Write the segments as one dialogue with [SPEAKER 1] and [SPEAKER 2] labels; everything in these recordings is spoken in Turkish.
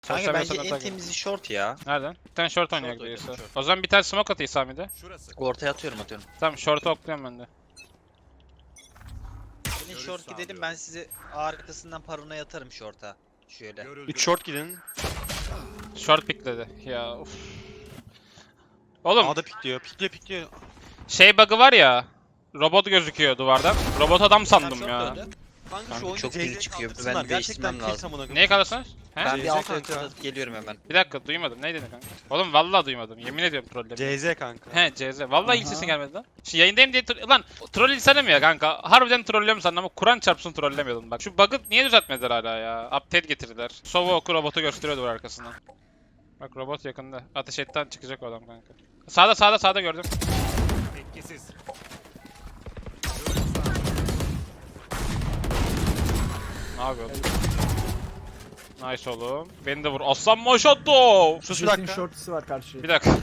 [SPEAKER 1] Kanka bence en temizi short ya.
[SPEAKER 2] Nereden? Bir tane short oynayak
[SPEAKER 1] Short
[SPEAKER 2] diyorsa.
[SPEAKER 1] oynayalım, short.
[SPEAKER 2] O zaman bir tane smoke atayım Sami'de.
[SPEAKER 1] Ortaya atıyorum.
[SPEAKER 2] Tamam short'u okluyorum ben de.
[SPEAKER 1] Gelin short gidelim, ben size arkasından parona yatarım short'a. Şöyle.
[SPEAKER 3] 3 short gidin.
[SPEAKER 2] Short pickledi. Ya uf. Oğlum
[SPEAKER 3] A'da pikliyor. Pikliyor.
[SPEAKER 2] şey bug'ı var ya. Robot gözüküyor duvardan. Robot adam sandım
[SPEAKER 1] Short
[SPEAKER 2] ya.
[SPEAKER 1] döndü.
[SPEAKER 3] Kanka şu
[SPEAKER 1] Kanka
[SPEAKER 3] oyunu
[SPEAKER 1] çok ping
[SPEAKER 3] CZ
[SPEAKER 1] çıkıyor.
[SPEAKER 3] kaldırsınlar.
[SPEAKER 1] Ben değiştirmem
[SPEAKER 3] Gerçekten
[SPEAKER 1] lazım.
[SPEAKER 3] kill
[SPEAKER 2] Neye kalırsanız? He?
[SPEAKER 1] Ben
[SPEAKER 3] CZ
[SPEAKER 1] bir alt
[SPEAKER 3] kanka.
[SPEAKER 1] atıp geliyorum hemen.
[SPEAKER 2] Bir dakika duymadım. Neydi kanka? Oğlum vallahi duymadım. Yemin ediyorum trollledim.
[SPEAKER 3] CZ kanka.
[SPEAKER 2] He CZ. Vallahi ilk sesin gelmedi lan. Şimdi yayındayım diye lan troll insanım ya kanka. Harbiden trollüyorum sandım ama Kur'an çarpsın trollemiyordum bak. Şu bug'ı niye düzeltmediler hala ya? Update getirdiler. Sova oku robotu gösteriyordu var arkasından. Bak robot yakında. Ateş etten çıkacak o adam kanka. Sağda gördüm.
[SPEAKER 4] Etkisiz.
[SPEAKER 2] Ne yapıyorsun? Nice oğlum. Beni de vur. Aslan maşatto.
[SPEAKER 3] Sus bir
[SPEAKER 5] Jet'in
[SPEAKER 3] dakika.
[SPEAKER 5] short'isi var karşıya.
[SPEAKER 2] Bir dakika.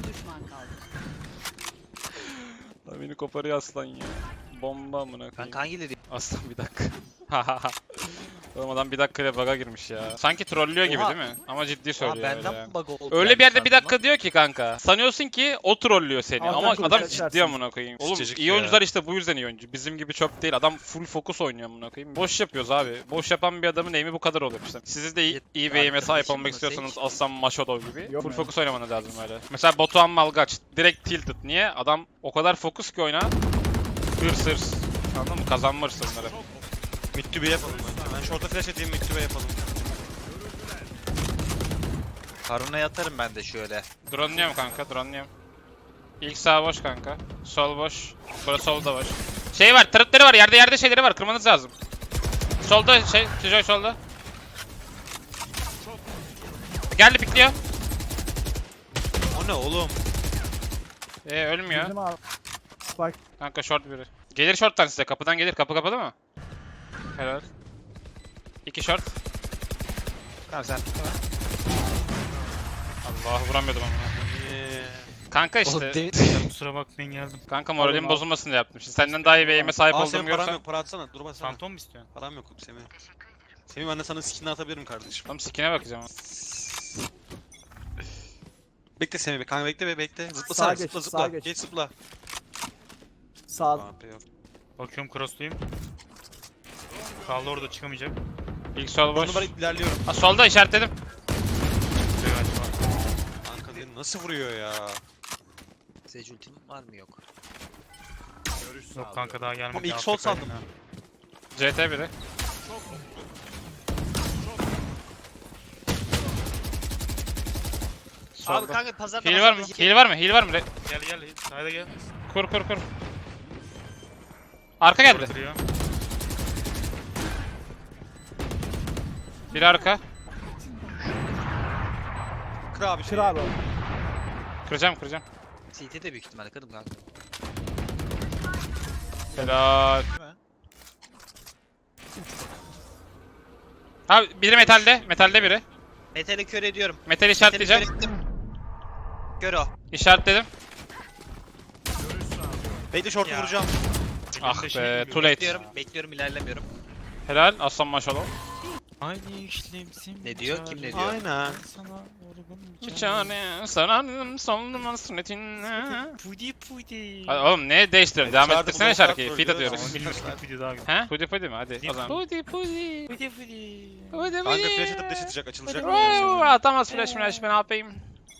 [SPEAKER 2] Lan beni koparıyor aslan ya. Bomba amına koyayım.
[SPEAKER 1] Kanka hangileri?
[SPEAKER 2] Aslan bir dakika. Oğlum adam bir dakikayla bug'a girmiş ya. Sanki trollüyor gibi
[SPEAKER 1] Oha.
[SPEAKER 2] değil mi? Ama ciddi
[SPEAKER 1] Aa,
[SPEAKER 2] söylüyor öyle
[SPEAKER 1] benden
[SPEAKER 2] yani.
[SPEAKER 1] mi bug oldu?
[SPEAKER 2] Öyle
[SPEAKER 1] yani
[SPEAKER 2] bir yerde bir
[SPEAKER 1] sandım
[SPEAKER 2] dakika diyor ki kanka. Sanıyorsun ki o trollüyor seni
[SPEAKER 5] Alttan
[SPEAKER 2] ama adam
[SPEAKER 5] konuşacaksın.
[SPEAKER 2] ciddi amına koyayım. Oğlum
[SPEAKER 3] Sıçacık
[SPEAKER 2] iyi
[SPEAKER 3] ya.
[SPEAKER 2] oyuncular işte bu yüzden iyi oyuncu. Bizim gibi çöp değil. Adam full fokus oynuyor amına koyayım. Boş yapıyoruz abi. Boş yapan bir adamın aim'i bu kadar oluyor işte. Siz de iyi bir aim'e sahip
[SPEAKER 1] Arkadaşım
[SPEAKER 2] olmak
[SPEAKER 1] mı
[SPEAKER 2] istiyorsanız
[SPEAKER 1] Sage?
[SPEAKER 2] Aslan Maşadov gibi
[SPEAKER 5] Yok
[SPEAKER 2] full
[SPEAKER 5] mu?
[SPEAKER 2] fokus oynamanız lazım öyle. Mesela Batuhan Malgaç direkt tilted. Niye? Adam o kadar fokus ki oyna. Hırs. Anladın mı? Kazanma hırsları.
[SPEAKER 3] Mid to B yapalım bence. Ben short'a flash edeyim, mid to B yapalım.
[SPEAKER 1] Parona yatarım ben de şöyle.
[SPEAKER 2] Drone'luyorum kanka, drone'luyorum. İlk sağ boş kanka. Sol boş. Burası solda boş. Şey var, tırıtları var. Yerde şeyleri var. Kırmanız lazım. Solda Kijoy solda. Geldi pikliyor.
[SPEAKER 3] O ne oğlum?
[SPEAKER 2] Ölmüyor.
[SPEAKER 5] Bizim abi. Spike.
[SPEAKER 2] Kanka short biri. Gelir short'tan size. Kapıdan gelir. Kapı kapalı mı? Helal. 2 short.
[SPEAKER 1] Tamam sen pikleme.
[SPEAKER 2] Allah vuramıyordum ama. Kanka
[SPEAKER 1] Oğlum
[SPEAKER 2] işte.
[SPEAKER 1] demin
[SPEAKER 4] Kusura bakmayın geldim.
[SPEAKER 2] Kanka moralim
[SPEAKER 5] Alın,
[SPEAKER 2] bozulmasın diye yaptım. Şimdi senden daha iyi bir aim'e sahip
[SPEAKER 3] Aa
[SPEAKER 2] olduğumu
[SPEAKER 3] senin param
[SPEAKER 2] görsen.
[SPEAKER 3] yok, para atsana. Dur baksana.
[SPEAKER 4] Fantom mu istiyorsun?
[SPEAKER 3] Param yok Semih. Semih ben de sana skinini atabilirim kardeşim.
[SPEAKER 2] Tam skin'e bakacağım.
[SPEAKER 3] Bekle Semih, kanka bekle.
[SPEAKER 5] Sağa
[SPEAKER 3] Zıplasana,
[SPEAKER 5] geç,
[SPEAKER 3] zıpla.
[SPEAKER 5] sağa geç.
[SPEAKER 3] Geç zıpla.
[SPEAKER 5] Sağ.
[SPEAKER 3] AP yok.
[SPEAKER 4] Bakıyorum crossluyum. Kaldı orada çıkamayacak.
[SPEAKER 2] İlk sol boş.
[SPEAKER 3] Onu var ilerliyorum.
[SPEAKER 2] Ha, solda işaretledim.
[SPEAKER 4] Çıkıyor galiba.
[SPEAKER 3] Kanka beni nasıl vuruyor ya?
[SPEAKER 1] Sage ultim var mı yok?
[SPEAKER 4] Yok kanka daha gelmedi.
[SPEAKER 3] Oğlum ilk
[SPEAKER 4] Altta
[SPEAKER 3] sol
[SPEAKER 4] kaydım
[SPEAKER 3] sandım.
[SPEAKER 4] ya.
[SPEAKER 2] CT biri.
[SPEAKER 1] Abi
[SPEAKER 2] Solda.
[SPEAKER 1] kanka pazarda
[SPEAKER 2] Heal var mı? Heal var mı? Heal var mı?
[SPEAKER 4] Gel. Sayda gel.
[SPEAKER 2] Kur. Arka geldi.
[SPEAKER 4] Kırıyor.
[SPEAKER 2] Biri arka.
[SPEAKER 3] Kır abi
[SPEAKER 5] Kır
[SPEAKER 3] şeyi.
[SPEAKER 5] abi.
[SPEAKER 2] Kıracağım.
[SPEAKER 1] CT de büyük ihtimalle kırdım kanka.
[SPEAKER 2] Helal. Abi biri metalde. Metalde biri.
[SPEAKER 1] Metali kör ediyorum.
[SPEAKER 2] Metal
[SPEAKER 1] Metali
[SPEAKER 2] işaretleyeceğim.
[SPEAKER 1] kör ettim. Kör o.
[SPEAKER 2] İşaretledim.
[SPEAKER 3] Bekle short'u
[SPEAKER 4] Ya.
[SPEAKER 3] vuracağım.
[SPEAKER 2] Ah
[SPEAKER 4] Elimde şey
[SPEAKER 2] be.
[SPEAKER 4] gibi.
[SPEAKER 2] Too late.
[SPEAKER 1] Bekliyorum ilerlemiyorum.
[SPEAKER 2] Helal. Aslan maşallah.
[SPEAKER 4] Aynı işlemsin.
[SPEAKER 1] Ne diyor? Kim ne diyor?
[SPEAKER 3] Aynen.
[SPEAKER 4] Sana orgun
[SPEAKER 2] Çare sararım solum hasretinle.
[SPEAKER 4] Pudi.
[SPEAKER 2] Hadi oğlum ne değiştirelim? Devam
[SPEAKER 3] Çağırdı,
[SPEAKER 2] ettirsene
[SPEAKER 3] bu
[SPEAKER 2] şarkıyı.
[SPEAKER 3] noktalar
[SPEAKER 2] Feed
[SPEAKER 3] trollüyor.
[SPEAKER 2] atıyoruz.
[SPEAKER 4] Bilmiyorum ki pudi daha güzel.
[SPEAKER 2] He? Pudi mi? Hadi o zaman. Pudi.
[SPEAKER 4] Pudi.
[SPEAKER 3] Kanka flash atıp dash atacak, açılacak.
[SPEAKER 2] Atamaz flash ben ne yapayım?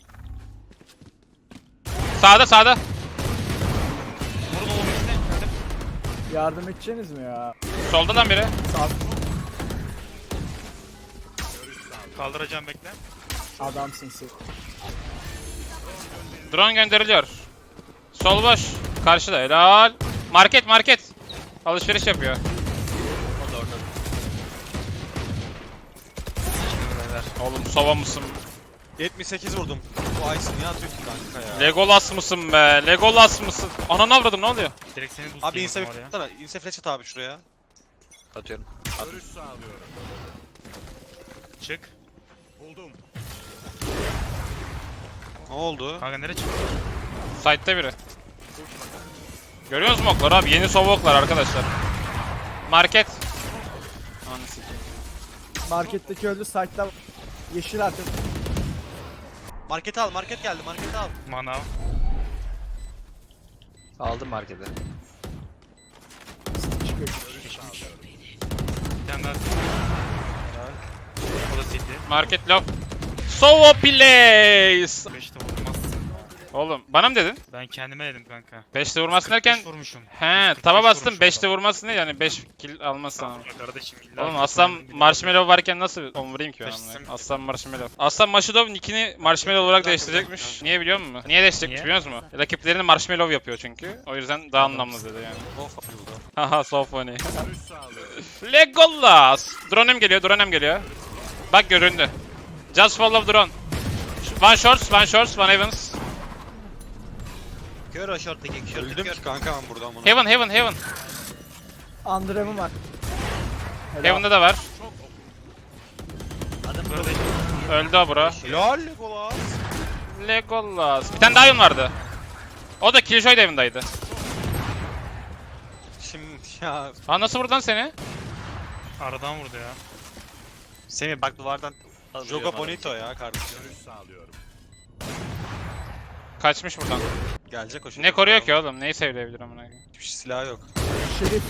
[SPEAKER 2] Sağda.
[SPEAKER 4] Vurun oğlum işte.
[SPEAKER 5] Yardım edeceksiniz mi ya?
[SPEAKER 2] Solda lan biri.
[SPEAKER 5] Sağ.
[SPEAKER 4] Kaldıracağım bekle.
[SPEAKER 5] Adamsın sen.
[SPEAKER 2] Drone gönderiliyor. Sol boş. Karşıda helal. Market. Alışveriş yapıyor.
[SPEAKER 1] O da orada.
[SPEAKER 2] Oğlum sova mısın?
[SPEAKER 3] 78 vurdum. Bu Aysin niye atıyorsun kanka ya?
[SPEAKER 2] Legolas mısın be? Legolas mısın? Ananı avradım ne oluyor?
[SPEAKER 4] Direkt seni boost
[SPEAKER 3] Abi
[SPEAKER 4] yiyeyim
[SPEAKER 3] inse
[SPEAKER 4] oraya.
[SPEAKER 3] atsana. İnse flash at abi şuraya.
[SPEAKER 1] Atıyorum.
[SPEAKER 4] Çık.
[SPEAKER 3] Ne oldu?
[SPEAKER 4] Kanka nereye çıktı?
[SPEAKER 2] Site'de biri. Görüyor musun okları abi? Yeni sova oklar arkadaşlar. Market. Anı sikeyim.
[SPEAKER 5] Marketteki öldü. Site'da yeşil artık.
[SPEAKER 3] Markete al, market geldi, markete al.
[SPEAKER 4] Manav.
[SPEAKER 1] Aldım markete.
[SPEAKER 5] Çıkıyor.
[SPEAKER 4] Bir tane daha. O da city.
[SPEAKER 2] Market low. Sovo place.
[SPEAKER 4] 5'te vurmaz.
[SPEAKER 2] Oğlum bana mı dedin?
[SPEAKER 4] Ben kendime dedim kanka.
[SPEAKER 2] 5'te vurmasın derken
[SPEAKER 4] 45 vurmuşum.
[SPEAKER 2] he
[SPEAKER 4] 45
[SPEAKER 2] taba bastım
[SPEAKER 4] vurmuşum
[SPEAKER 2] 5'te
[SPEAKER 4] adam.
[SPEAKER 2] vurmasın değil yani 5 kill almazsan.
[SPEAKER 4] Tamam kardeşim. illa
[SPEAKER 2] Oğlum
[SPEAKER 4] ki
[SPEAKER 2] aslan
[SPEAKER 4] sonunda bir
[SPEAKER 2] marshmallow varken nasıl onu vurayım ki ben
[SPEAKER 4] Taşısın.
[SPEAKER 2] amına? Aslan marshmallow. Aslan Maşudov nickini marshmallow olarak değiştirecekmiş. Niye biliyor musun? Niye değiştirecekmiş
[SPEAKER 4] Niye?
[SPEAKER 2] biliyor musun? Rakiplerini marshmallow yapıyor çünkü. O yüzden daha anlamlı dedi yani. Haha so funny. Legolas. Drone'um geliyor, drone'um geliyor. Bak göründü. Just follow drone. One shorts, one heavens.
[SPEAKER 1] Kör o short'taki kör.
[SPEAKER 3] Öldüm
[SPEAKER 1] kör.
[SPEAKER 3] ki kanka ben buradan bunu.
[SPEAKER 2] Heaven.
[SPEAKER 5] Andrem'im var. Helal.
[SPEAKER 2] Heaven'da da var.
[SPEAKER 1] Adam
[SPEAKER 4] Böyle
[SPEAKER 2] Öldü o bro.
[SPEAKER 3] Helal Legolas.
[SPEAKER 2] Legolas. Bir tane daha Heaven vardı. O da Killjoy da Heaven'daydı.
[SPEAKER 3] Şimdi ya.
[SPEAKER 2] Ha nasıl vurdu lan seni?
[SPEAKER 4] aradan vurdu ya.
[SPEAKER 1] Semih bak duvardan
[SPEAKER 3] Joga Bonito ya kardeşim.
[SPEAKER 2] Kaçmış buradan.
[SPEAKER 3] Gelecek o şey.
[SPEAKER 2] Ne koruyor ki oğlum? Neyi sevleyebilir amına koyayım?
[SPEAKER 3] Hiçbir silah yok.
[SPEAKER 5] Şerif.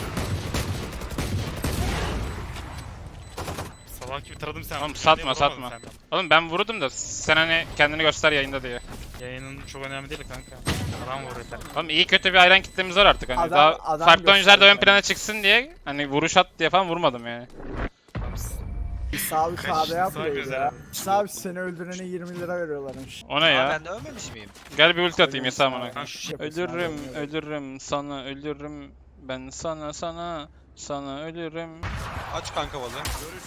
[SPEAKER 4] Salak gibi taradım sen.
[SPEAKER 2] Oğlum satma,
[SPEAKER 4] Vuramadın
[SPEAKER 2] satma.
[SPEAKER 4] sen.
[SPEAKER 2] Oğlum ben vurdum da sen hani kendini göster yayında diye.
[SPEAKER 4] Yayının çok önemli değil kanka. Adam vuruyor.
[SPEAKER 2] Oğlum iyi kötü bir hayran kitlemiz var artık hani.
[SPEAKER 5] Adam-
[SPEAKER 2] Daha
[SPEAKER 5] adam
[SPEAKER 2] farklı oyuncular da ön
[SPEAKER 5] gösteriyor
[SPEAKER 2] plana çıksın diye hani vuruş at diye falan vurmadım yani.
[SPEAKER 5] Sağ bir
[SPEAKER 4] Kaç
[SPEAKER 5] sağda yapmayız
[SPEAKER 4] göz
[SPEAKER 5] ya.
[SPEAKER 4] ya.
[SPEAKER 5] Sağ bir seni öldürene 20 lira veriyorlarmış.
[SPEAKER 2] O ne
[SPEAKER 1] Ya
[SPEAKER 2] ya?
[SPEAKER 1] ben de ölmemiş miyim?
[SPEAKER 2] Gel bir ulti atayım Yasa amına
[SPEAKER 4] Kanka
[SPEAKER 2] koyayım.
[SPEAKER 4] şu
[SPEAKER 2] Ölürüm sana ölürüm. Ben sana ölürüm.
[SPEAKER 3] Aç kanka valı.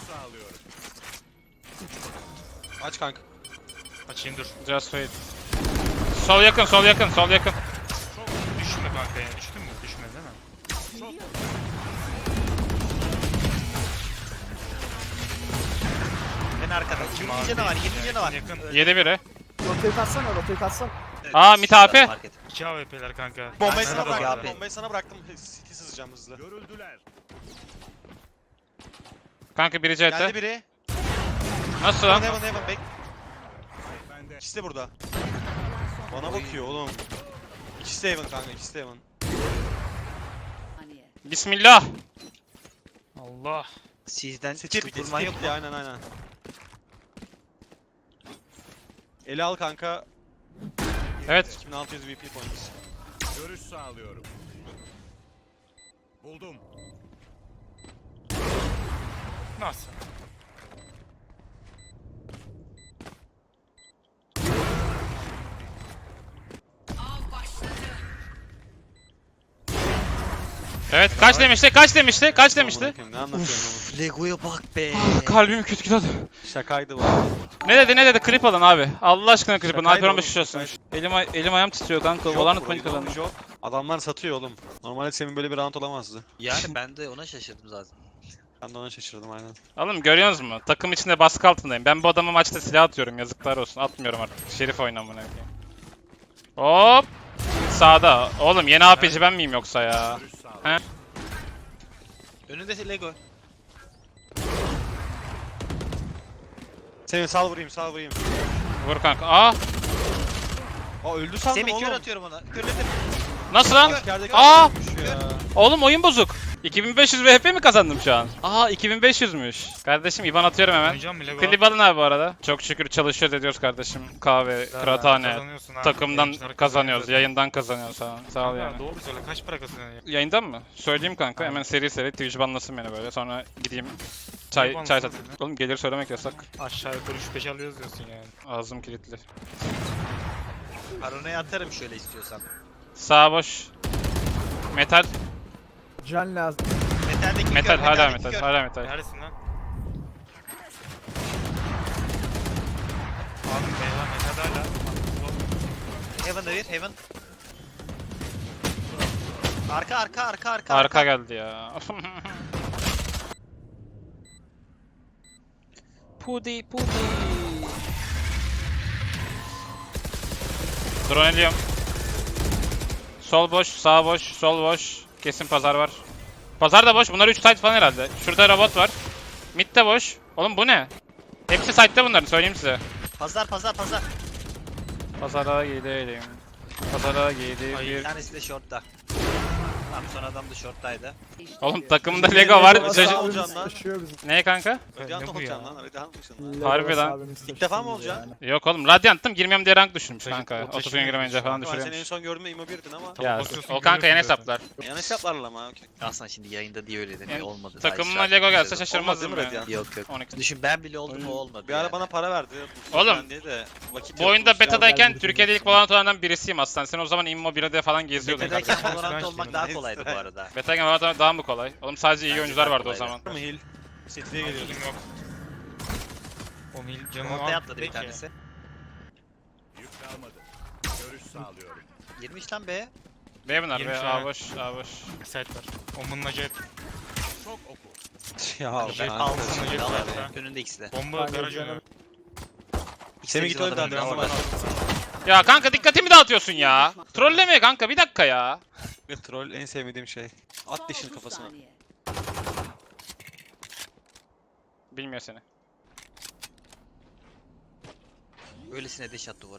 [SPEAKER 3] Aç kanka.
[SPEAKER 4] açayım dur.
[SPEAKER 2] Just wait. Sol yakın.
[SPEAKER 4] Düşme kanka ya. Düştün mü? Düşmedi değil mi?
[SPEAKER 1] Ben arkada. 20 canı var, 20 canı var.
[SPEAKER 4] Yakın.
[SPEAKER 2] 7 biri.
[SPEAKER 5] Rotayı katsana, rotayı katsana.
[SPEAKER 1] Evet,
[SPEAKER 2] Aa, mid AP.
[SPEAKER 1] fark et.
[SPEAKER 4] 2 AWP'ler kanka.
[SPEAKER 3] Bombayı
[SPEAKER 1] Ben
[SPEAKER 3] sana
[SPEAKER 1] sana
[SPEAKER 3] bıraktım.
[SPEAKER 1] bakayım.
[SPEAKER 3] Bombayı sana bıraktım. City sızacağım hızlı.
[SPEAKER 2] Kanka biri
[SPEAKER 3] Geldi
[SPEAKER 2] CT.
[SPEAKER 3] biri.
[SPEAKER 2] Nasıl
[SPEAKER 3] Heaven
[SPEAKER 2] lan?
[SPEAKER 3] heaven bek. İkisi de burada. Bana bakıyor oğlum. İkisi de heaven kanka, ikisi de heaven.
[SPEAKER 2] Bismillah.
[SPEAKER 4] Allah.
[SPEAKER 1] Sizden
[SPEAKER 3] City
[SPEAKER 1] çıkıp
[SPEAKER 3] bitti,
[SPEAKER 1] vurman
[SPEAKER 3] City
[SPEAKER 1] yok mu?
[SPEAKER 3] bitti, aynen aynen. Eli al kanka.
[SPEAKER 2] Evet.
[SPEAKER 3] 2600 VP points.
[SPEAKER 6] Görüş sağlıyorum. Buldum.
[SPEAKER 4] Nasıl?
[SPEAKER 2] Evet kaç demişti? Kaç demişti? Kaç demişti?
[SPEAKER 3] Amına koyayım, ne anlatıyorsun
[SPEAKER 1] Lego'ya bak be.
[SPEAKER 2] Kalbim kötü gidiyordu.
[SPEAKER 3] oğlum? Şakaydı bu.
[SPEAKER 2] Ne dedi? Klip alın abi. Allah aşkına klip alın.
[SPEAKER 3] Şakaydı
[SPEAKER 2] Alper
[SPEAKER 3] oğlum,
[SPEAKER 2] 15 olsun.
[SPEAKER 3] şakaydı.
[SPEAKER 2] Elim ayağım titriyor kanka.
[SPEAKER 3] Yok
[SPEAKER 2] Valorant
[SPEAKER 3] bro,
[SPEAKER 2] panik
[SPEAKER 3] yok,
[SPEAKER 2] kazandım.
[SPEAKER 3] yok. Adamlar satıyor oğlum. Normalde senin böyle bir round olamazdı.
[SPEAKER 1] Yani ben de ona şaşırdım zaten.
[SPEAKER 3] Ben de ona şaşırdım aynen.
[SPEAKER 2] Oğlum görüyorsunuz mu? Takım içinde baskı altındayım. Ben bu adama maçta silah atıyorum. Yazıklar olsun. Atmıyorum artık. Şerif oynamına koyayım. Hop. Sağda. Oğlum yeni AP'ci ben miyim yoksa ya?
[SPEAKER 6] Görüş sağlıyorum.
[SPEAKER 1] Önünde Lego.
[SPEAKER 3] Semih sal vurayım, sal vurayım.
[SPEAKER 2] Vur kanka. Aa!
[SPEAKER 3] Aa öldü sandım
[SPEAKER 1] Semih
[SPEAKER 3] oğlum.
[SPEAKER 1] kör atıyorum ona. Körledim.
[SPEAKER 2] Nasıl lan?
[SPEAKER 3] Askerdeki
[SPEAKER 2] Aa!
[SPEAKER 3] adam ölmüş ya.
[SPEAKER 2] Oğlum oyun bozuk. 2500 VP mi kazandım şu an? Aa 2500'müş. Kardeşim IBAN atıyorum hemen.
[SPEAKER 4] Oynayacağım mı Lego?
[SPEAKER 2] Klip alın abi bu arada. Çok şükür çalışıyoruz ediyoruz kardeşim. Kahve, kıraathane.
[SPEAKER 4] Kazanıyorsun ha.
[SPEAKER 2] Takımdan
[SPEAKER 4] Yayıncılar
[SPEAKER 2] kazanıyoruz,
[SPEAKER 4] kazanıyor.
[SPEAKER 2] yayından kazanıyoruz falan. Sağ ol
[SPEAKER 4] Ya
[SPEAKER 2] yani.
[SPEAKER 4] doğru söyle kaç para kazanıyorsun?
[SPEAKER 2] Yayından mı? Söyleyeyim kanka.
[SPEAKER 4] Aynen.
[SPEAKER 2] Hemen seri Twitch banlasın beni böyle. Sonra gideyim
[SPEAKER 4] Niye
[SPEAKER 2] çay
[SPEAKER 4] banlasın
[SPEAKER 2] sat.
[SPEAKER 4] seni?
[SPEAKER 2] Oğlum gelir söylemek yasak.
[SPEAKER 4] Aşağı yukarı 3-5 alıyoruz diyorsun yani.
[SPEAKER 2] Ağzım kilitli.
[SPEAKER 1] Parona'ya atarım şöyle istiyorsan.
[SPEAKER 2] Sağ boş. Metal.
[SPEAKER 5] Can lazım.
[SPEAKER 1] Metal'deki
[SPEAKER 2] Metal
[SPEAKER 1] kör,
[SPEAKER 2] hala
[SPEAKER 1] metal'deki
[SPEAKER 2] metal.
[SPEAKER 1] kör.
[SPEAKER 2] Hala metal.
[SPEAKER 4] Neredesin lan? Abi meyve meyve hala.
[SPEAKER 1] Heaven'da bir, Heaven. Arka.
[SPEAKER 2] Arka geldi ya. Pudi. Drone ediyorum. Sol boş, sağ boş, sol boş. Kesin pazar var. Pazar da boş. Bunlar 3 site falan herhalde. Şurada robot var. Mid de boş. Oğlum bu ne? Hepsi site'de bunların söyleyeyim size.
[SPEAKER 1] Pazar.
[SPEAKER 2] Pazara gidelim. Pazara
[SPEAKER 4] Ay,
[SPEAKER 2] gidelim.
[SPEAKER 1] Bir tanesi de shortta. Tamam son adam da shorttaydı.
[SPEAKER 2] Oğlum takımda Lego var.
[SPEAKER 3] Nasıl
[SPEAKER 2] Çocuk...
[SPEAKER 3] olacak
[SPEAKER 5] Abimiz
[SPEAKER 3] lan?
[SPEAKER 5] taşıyor bizi.
[SPEAKER 2] Ne kanka?
[SPEAKER 3] Radiant
[SPEAKER 4] Ne bu
[SPEAKER 3] olacaksın
[SPEAKER 4] ya?
[SPEAKER 3] lan. Radiant mısın?
[SPEAKER 5] Legolas
[SPEAKER 2] Harbi lan.
[SPEAKER 5] abimiz
[SPEAKER 3] İlk defa mı
[SPEAKER 5] taşıyor
[SPEAKER 3] olacaksın?
[SPEAKER 5] yani.
[SPEAKER 2] Yok oğlum Radiant'tım girmiyorum diye rank düşürmüş
[SPEAKER 4] Çocuk
[SPEAKER 2] kanka.
[SPEAKER 4] o
[SPEAKER 2] 30 gün
[SPEAKER 4] taşımıyor
[SPEAKER 2] girmeyince
[SPEAKER 4] şu
[SPEAKER 2] falan
[SPEAKER 4] an.
[SPEAKER 3] Ben seni en
[SPEAKER 2] düşürüyormuş.
[SPEAKER 3] son gördüğümde Imo 1'din ama.
[SPEAKER 2] Ya
[SPEAKER 4] basıyorsun,
[SPEAKER 2] o kanka
[SPEAKER 4] görüyorsun
[SPEAKER 2] yeni
[SPEAKER 4] zaten.
[SPEAKER 2] hesaplar.
[SPEAKER 3] Yan hesaplarla ama okey.
[SPEAKER 1] Aslında şimdi yayında diye öyle deniyor.
[SPEAKER 2] Yani
[SPEAKER 1] Olmadı. daha
[SPEAKER 2] Takımıma
[SPEAKER 1] işaret
[SPEAKER 2] Lego gelse
[SPEAKER 1] dedim.
[SPEAKER 2] şaşırmazdım
[SPEAKER 3] Olmaz değil mi
[SPEAKER 2] yani.
[SPEAKER 3] Radiant?
[SPEAKER 1] Yok yok.
[SPEAKER 2] 12.
[SPEAKER 1] Düşün ben bile oldum o olmadı.
[SPEAKER 3] Bir ara
[SPEAKER 1] yani.
[SPEAKER 3] bana para verdi.
[SPEAKER 2] Oğlum,
[SPEAKER 3] Ben diye de vakit
[SPEAKER 2] Bu oyunda
[SPEAKER 3] yokmuş ya.
[SPEAKER 2] betadayken
[SPEAKER 5] gel
[SPEAKER 2] Türkiye'de ilk Valorant oynanan birisiyim aslında. Sen o zaman Immo 1'de falan geziyordun
[SPEAKER 1] Betadayken
[SPEAKER 2] kardeşim.
[SPEAKER 1] Valorant
[SPEAKER 4] Ben
[SPEAKER 1] olmak
[SPEAKER 4] şimdi-
[SPEAKER 1] daha kolaydı bu arada.
[SPEAKER 2] Betadayken Valorant oynamak daha mı kolay? Oğlum sadece iyi
[SPEAKER 1] Bence
[SPEAKER 2] oyuncular
[SPEAKER 1] daha
[SPEAKER 2] vardı o
[SPEAKER 1] kolaydı.
[SPEAKER 2] zaman.
[SPEAKER 3] Var mı heal? City'ye geliyordu.
[SPEAKER 4] Healing yok. O mil canını
[SPEAKER 1] Ortaya
[SPEAKER 4] al.
[SPEAKER 1] atladı bir
[SPEAKER 4] Peki.
[SPEAKER 1] tanesi.
[SPEAKER 6] Yük kalmadı. Görüş sağlıyorum.
[SPEAKER 1] Girmiş lan be.
[SPEAKER 2] B bunlar
[SPEAKER 4] Girmiş
[SPEAKER 2] be.
[SPEAKER 4] ha.
[SPEAKER 2] A boş, A boş.
[SPEAKER 4] Site var. Omun'un acayip.
[SPEAKER 6] Çok oku.
[SPEAKER 3] Ya
[SPEAKER 4] Jet
[SPEAKER 3] kanka.
[SPEAKER 4] alsın,
[SPEAKER 1] Altın
[SPEAKER 4] jet
[SPEAKER 1] al
[SPEAKER 4] var
[SPEAKER 1] abi.
[SPEAKER 4] ha.
[SPEAKER 1] Önünde ikisi de.
[SPEAKER 4] Bomba
[SPEAKER 5] Kanka
[SPEAKER 4] garaj
[SPEAKER 5] canım.
[SPEAKER 4] önü.
[SPEAKER 1] İkisi
[SPEAKER 3] Semih
[SPEAKER 1] de
[SPEAKER 3] git
[SPEAKER 1] bizim
[SPEAKER 3] önden
[SPEAKER 1] adamın
[SPEAKER 3] devam
[SPEAKER 1] önünde.
[SPEAKER 3] var.
[SPEAKER 2] Ya kanka dikkatimi dağıtıyorsun ya. Trolleme kanka bir dakika ya.
[SPEAKER 3] Troll en sevmediğim şey. At dişini kafasına.
[SPEAKER 2] Bilmiyor seni.
[SPEAKER 1] Öylesine deş attı duvar.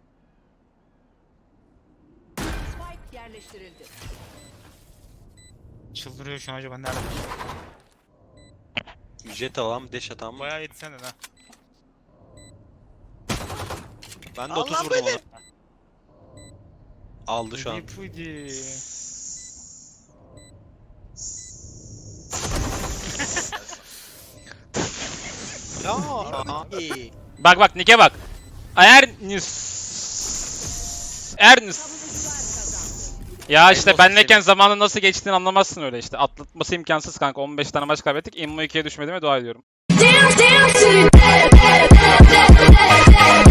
[SPEAKER 7] Spike yerleştirildi.
[SPEAKER 4] Çıldırıyor şu an acaba nerede?
[SPEAKER 3] Jet alalım, dash atalım.
[SPEAKER 4] Bayağı yetsen de ha.
[SPEAKER 3] Ben de
[SPEAKER 1] Allah
[SPEAKER 3] 30 vurdum onu. Aldı şu an.
[SPEAKER 4] Pudi.
[SPEAKER 3] Ya.
[SPEAKER 1] İyi.
[SPEAKER 2] Bak bak Nick'e bak. Ernest. Ya işte
[SPEAKER 1] olsun
[SPEAKER 2] benleyken
[SPEAKER 1] senin.
[SPEAKER 2] zamanın nasıl geçtiğini anlamazsın öyle işte. Atlatması imkansız kanka. 15 tane maç kaybettik. Immo 2'ye düşmediğime dua ediyorum.
[SPEAKER 7] Down to the